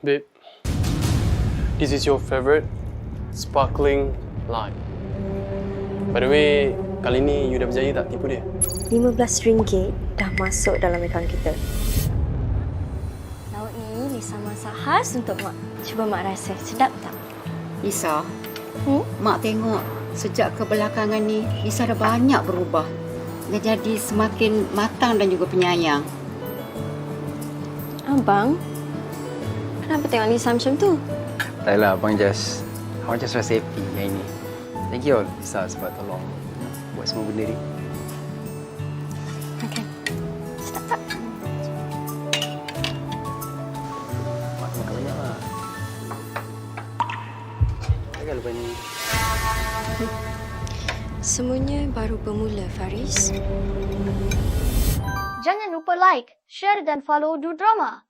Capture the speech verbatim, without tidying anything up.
Babe, this is your favorite sparkling lime. By the way, kali ni you dah berjaya tak tipu dia? lima belas ringgit dah masuk dalam akaun kita. Lauk ni Lisa masak khas untuk Mak. Cuba Mak rasa, sedap tak? Lisa, Hmm? Mak tengok sejak kebelakangan ni Lisa dah banyak berubah. Dia jadi semakin matang dan juga penyayang. Abang, kenapa tengok Lisa macam tu? Tak lah, Abang just... Abang just rasa happy hari ni. Thank you all, Lisa, sebab tolong buat semua benda ni. Makan. Sedap tak? Mak makan banyak lah. Jangan lupa ni. Semuanya baru bermula, Faris. Jangan lupa like, share dan follow Du Drama.